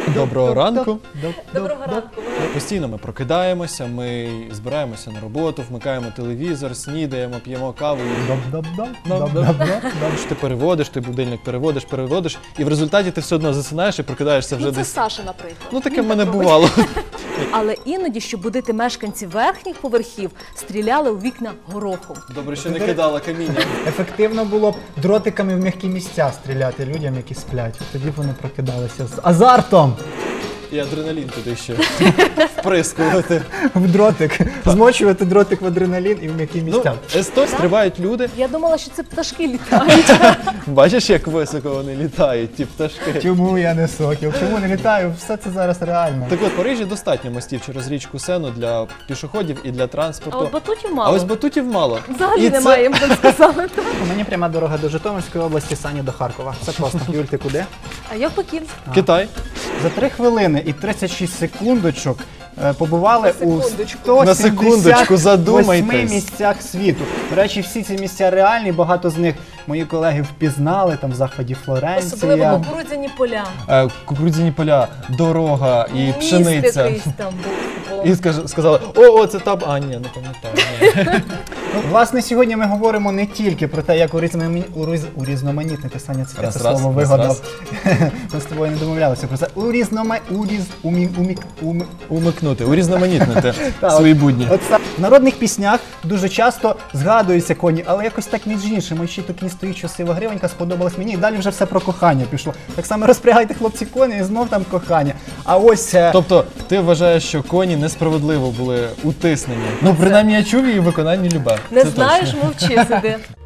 Доброго ранку. Доброго ранку. Постійно ми прокидаємося, ми збираємося на роботу, вмикаємо телевізор, снідаємо, п'ємо каву. Ти переводиш, ти будильник переводиш, і в результаті ти все одно засинаєш і прокидаєшся вже Ну, це десь. Саша, наприклад. Ну таке в мене бувало. Але іноді, щоб будити мешканців верхніх поверхів, стріляли у вікна горохом. Добре, що не кидала каміння. Ефективно було б дротиками в м'які місця стріляти людям, які сплять. Тоді б вони прокидалися з азартом І адреналін туди ще вприскувати. в дротик. Змочувати дротик в адреналін і в м'які місця. С-100 стрибають люди. Я думала, що це пташки літають. Бачиш, як високо вони літають, ті пташки. Чому я не сокіл? Чому не літаю? Все це зараз реально. Так от, в Парижі достатньо мостів через річку Сену для пішоходів і для А транспорту. от батутів А мало. ось батутів мало. Взагалі І це- немає, я б так сказала. Мені пряма дорога до Житомирської області, Саня до Харкова. Все просто. Юль, ти куди? А я в Пекін. Китай. За 3 хвилини і 36 секундочок побували у На секундочку, 178 задумайтесь. місцях світу. До речі, всі ці місця реальні, багато з них мої колеги впізнали, там в заході Особливо Флоренція. кукурудзяні поля. Кукурудзяні поля, дорога і Міст пшениця. якийсь там був. І сказали, о, це там, а ні, не пам'ятаю. Ні. Ну, власне, сьогодні ми говоримо не тільки про те, як урізноманітнити, Саня, це Раз, слово раз, вигадав. Ми з тобою не домовлялися про це. Умикнути, урізноманітнити Так, свої будні. От в народних піснях дуже часто згадуються коні, але якось так між іншим. Ось ще тут кінь стоїть, що сива гривенька, сподобалась мені, і далі вже все про кохання пішло. Так само розпрягайте, хлопці, коні, і знов там кохання. А ось Тобто, ти вважаєш, що коні несправедливо були утиснені? Ну, принаймні, я чув її в виконанні Любе. Не Це знаєш, точно. мовчи сиди.